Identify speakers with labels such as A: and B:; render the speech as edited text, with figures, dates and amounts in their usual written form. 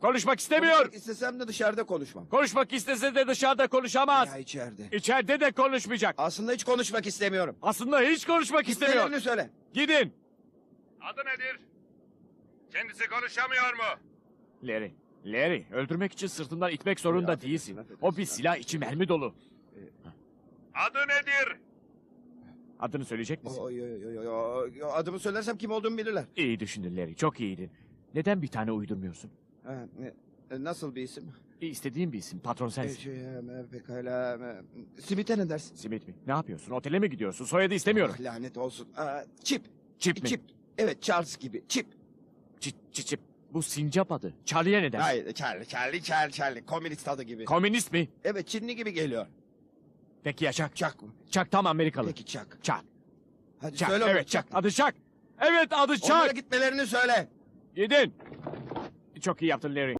A: Konuşmak istemiyor.
B: Konuşmak istesem de dışarıda konuşmam.
A: Konuşmak istese de dışarıda konuşamaz.
B: Ya içeride.
A: İçeride de konuşmayacak.
B: Aslında hiç konuşmak istemiyorum.
A: Aslında hiç konuşmak istemiyor.
B: İstediğini söyle.
A: Gidin.
C: Adı nedir? Kendisi konuşamıyor mu?
A: Larry, öldürmek için sırtından itmek zorunda değilsin. O bir silah, içi mermi dolu.
C: Adı nedir?
A: Adını söyleyecek misin?
B: Adımı söylersem kim olduğumu bilirler.
A: İyi düşündün Larry, çok iyiydin. Neden bir tane uydurmuyorsun?
B: Ha, nasıl bir isim?
A: İstediğin bir isim, patron sensin.
B: Pekala. Simit'e ne dersin?
A: Simit mi? Ne yapıyorsun? Otele mi gidiyorsun? Soyadı istemiyorum.
B: Ah, lanet olsun. Chip.
A: Chip mi?
B: Chip. Evet, Charles gibi. Chip.
A: Çip. Bu sincap adı. Charlie'ye ne dersin?
B: Hayır, Charlie. Komünist adı gibi.
A: Komünist mi?
B: Evet, Çinli gibi geliyor.
A: Peki ya Chuck?
B: Chuck mı?
A: Chuck tam Amerikalı.
B: Peki Chuck.
A: Chuck.
B: Hadi
A: Chuck.
B: söyle onu,
A: Evet Chuck. Adı Chuck. Evet adı
B: Onlara
A: Chuck.
B: gitmelerini söyle.
A: Gidin. Çok iyi yaptın Larry.